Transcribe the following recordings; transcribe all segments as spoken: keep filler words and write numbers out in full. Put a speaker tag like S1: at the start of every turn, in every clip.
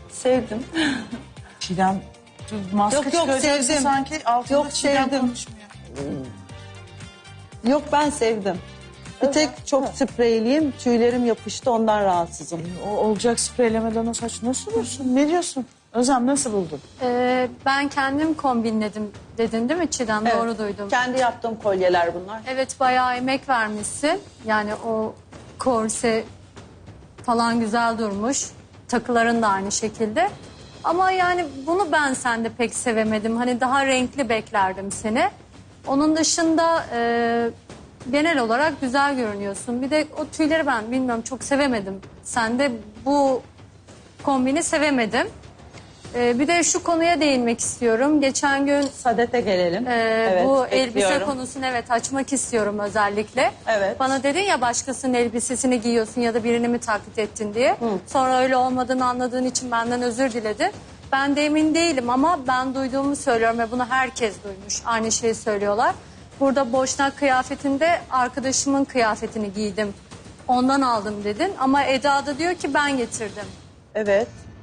S1: Sevdim.
S2: Çiğdem maske
S1: Yok, yok,
S2: çıkaracaksın
S1: sevdim.
S2: sanki altında
S1: Yok,
S2: Çiğdem
S1: sevdim.
S2: konuşmuyor.
S1: Yok, ben sevdim. Bir tek çok spreyliyim. Tüylerim yapıştı, ondan rahatsızım.
S2: O olacak spreylemeden o saç nasıl olursun? Ne diyorsun? Özlem nasıl buldun?
S3: Ee, ben kendim kombinledim dedin değil mi Çiğdem?
S1: Evet.
S3: Doğru duydum.
S1: Kendi yaptığım kolyeler bunlar.
S3: Evet, bayağı emek vermişsin. Yani o korse falan güzel durmuş. Takıların da aynı şekilde. Ama yani bunu ben sende pek sevemedim. Hani daha renkli beklerdim seni. Onun dışında e, genel olarak güzel görünüyorsun. Bir de o tüyleri ben bilmiyorum çok sevemedim. Sende bu kombini sevemedim. E, bir de şu konuya değinmek istiyorum. Geçen gün
S1: Sadete gelelim.
S3: Ee,
S1: Evet,
S3: bu elbise
S1: bekliyorum.
S3: konusunu evet açmak istiyorum özellikle.
S1: Evet.
S3: Bana dedin ya başkasının elbisesini giyiyorsun ya da birini mi taklit ettin diye. Sonra öyle olmadığını anladığın için benden özür diledin. Ben de emin değilim ama ben duyduğumu söylüyorum ve bunu herkes duymuş. Aynı şeyi söylüyorlar. Burada boşnak kıyafetinde arkadaşımın kıyafetini giydim. Ondan aldım dedin ama Eda da diyor ki ben getirdim.
S1: Evet.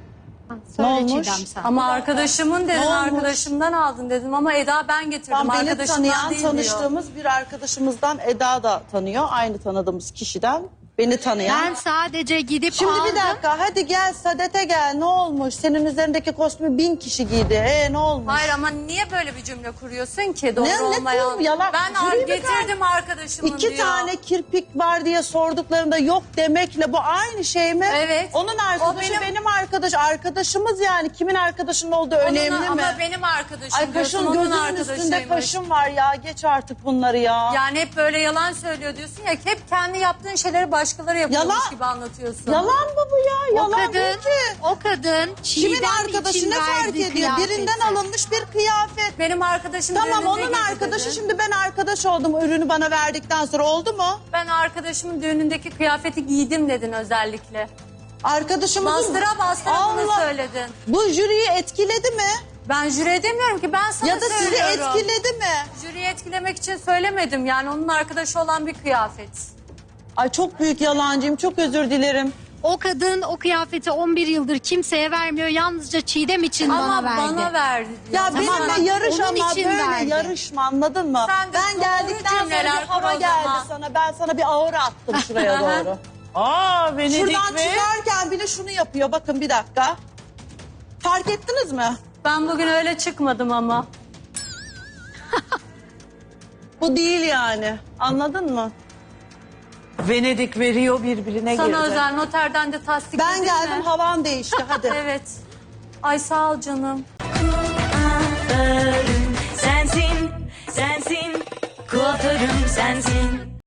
S4: Söyle
S1: olmuş?
S4: Çiğdem sen.
S3: Ama arkadaşımın dedin,
S1: olmuş?
S3: arkadaşımdan aldın dedim ama Eda ben getirdim.
S1: Tam beni
S3: arkadaşımdan
S1: tanıyan,
S3: değil diyor.
S1: tanıştığımız bir arkadaşımızdan Eda da tanıyor. Aynı tanıdığımız kişiden beni tanıyan.
S4: Ben sadece gidip
S1: Şimdi
S4: aldım.
S1: bir dakika, hadi gel Sadete gel, ne olmuş? Senin üzerindeki kostümü bin kişi giydi. Ee ne olmuş?
S3: Hayır ama niye böyle bir cümle kuruyorsun ki? Doğru
S1: Ne- ne
S3: olmayan.
S1: kurum? Yalan.
S3: Ben
S1: Jüri mi
S3: getirdim arkadaşımın
S1: İki
S3: diyor.
S1: tane kirpik var diye sorduklarında yok demekle bu aynı şey mi?
S3: Evet.
S1: Onun arkadaşı
S3: O benim-
S1: benim, arkadaş. Arkadaşımız yani. Kimin arkadaşının olduğu
S3: Onun-
S1: önemli mi?
S3: Ama benim arkadaşım
S1: Ay
S3: diyorsun,
S1: kaşın
S3: onun
S1: gözünün
S3: arkadaşıymış.
S1: üstünde kaşın var ya. Geç artık bunları ya.
S3: Yani hep böyle yalan söylüyor diyorsun ya. Hep kendi yaptığın şeyleri başkaları yapıyormuş
S1: Yalan.
S3: gibi anlatıyorsun.
S1: Yalan mı bu ya?
S4: O
S1: Yalan
S4: kadın,
S1: değil ki.
S4: o kadın
S1: Kimin
S4: Çiğdem
S1: arkadaşı
S4: için
S1: ne fark
S4: verdiği
S1: ediyor?
S4: kıyafeti.
S1: Birinden alınmış bir kıyafet.
S3: Benim arkadaşım
S1: Tamam
S3: düğününde
S1: onun
S3: giydi
S1: arkadaşı
S3: dedin.
S1: şimdi ben arkadaş oldum ürünü bana verdikten sonra oldu mu?
S3: Ben arkadaşımın düğünündeki kıyafeti giydim dedin özellikle.
S1: Arkadaşımızın...
S3: Bastıra bastıra bunu
S1: Allah!
S3: söyledin.
S1: Bu jüriyi etkiledi mi?
S3: Ben jüri demiyorum ki ben sana
S1: Ya da sizi
S3: söylüyorum.
S1: etkiledi mi?
S3: Jüriyi etkilemek için söylemedim. Yani onun arkadaşı olan bir kıyafet.
S1: Ay çok büyük yalancıyım. Çok özür dilerim.
S4: O kadın o kıyafeti on bir yıldır kimseye vermiyor. Yalnızca Çiğdem için
S3: Ama
S4: bana verdi.
S3: bana verdi.
S1: Ya
S4: Tamam,
S1: benimle yarış
S4: onun
S1: ama
S4: için
S1: böyle
S4: verdi.
S1: yarışma anladın mı?
S3: Sen de
S1: Ben
S3: doğru
S1: geldikten sonra
S3: cümleler
S1: bir hava
S3: kur o
S1: geldi
S3: zaman.
S1: sana. Ben sana bir aura attım şuraya doğru.
S2: Aa Venedik
S1: Şuradan
S2: ve...
S1: çıkarken bile şunu yapıyor. Bakın bir dakika. Fark ettiniz mi?
S3: Ben bugün öyle çıkmadım ama.
S1: Bu değil yani. Anladın mı?
S2: Venedik ve Rio birbirine
S3: Sana
S2: girdi.
S3: özel noterden de tasdik
S1: Ben
S3: edin
S1: geldim
S3: mi?
S1: havan değişti hadi.
S3: Evet. Ay sağ ol canım.
S5: Sensin, sensin, kuaförüm sensin.